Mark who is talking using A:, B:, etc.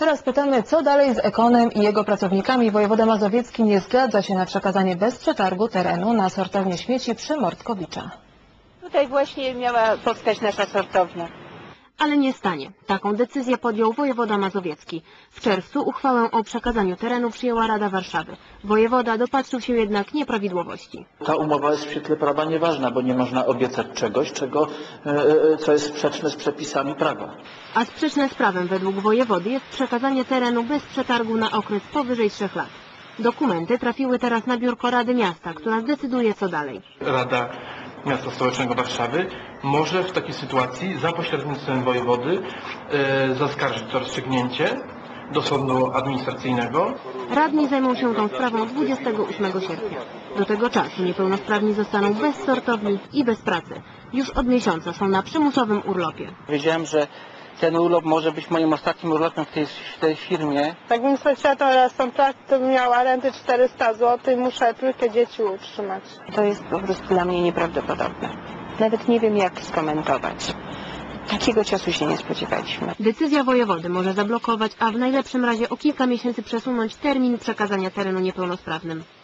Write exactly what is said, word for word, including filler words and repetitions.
A: Teraz pytamy, co dalej z Ekonem i jego pracownikami. Wojewoda mazowiecki nie zgadza się na przekazanie bez przetargu terenu na sortownię śmieci przy Mordkowicza.
B: Tutaj właśnie miała powstać nasza sortownia.
C: Ale nie stanie. Taką decyzję podjął wojewoda mazowiecki. W czerwcu uchwałę o przekazaniu terenu przyjęła Rada Warszawy. Wojewoda dopatrzył się jednak nieprawidłowości.
D: Ta umowa jest w świetle prawa nieważna, bo nie można obiecać czegoś, czego, co jest sprzeczne z przepisami prawa.
C: A sprzeczne z prawem według wojewody jest przekazanie terenu bez przetargu na okres powyżej trzech lat. Dokumenty trafiły teraz na biurko Rady Miasta, która zdecyduje co dalej.
E: Rada Miasta Stołecznego Warszawy może w takiej sytuacji za pośrednictwem wojewody e, zaskarżyć to rozstrzygnięcie do sądu administracyjnego.
C: Radni zajmą się tą sprawą dwudziestego ósmego sierpnia. Do tego czasu niepełnosprawni zostaną bez sortowni i bez pracy. Już od miesiąca są na przymusowym urlopie.
F: Wiedziałem, że ten urlop może być moim ostatnim urlopem w tej, w tej firmie.
G: Jakbym straciła tą rejestrację, to bym miała rentę czterysta złotych i muszę trójkę dzieci utrzymać.
B: To jest po prostu dla mnie nieprawdopodobne. Nawet nie wiem, jak skomentować. Takiego czasu się nie spodziewaliśmy.
C: Decyzja wojewody może zablokować, a w najlepszym razie o kilka miesięcy przesunąć termin przekazania terenu niepełnosprawnym.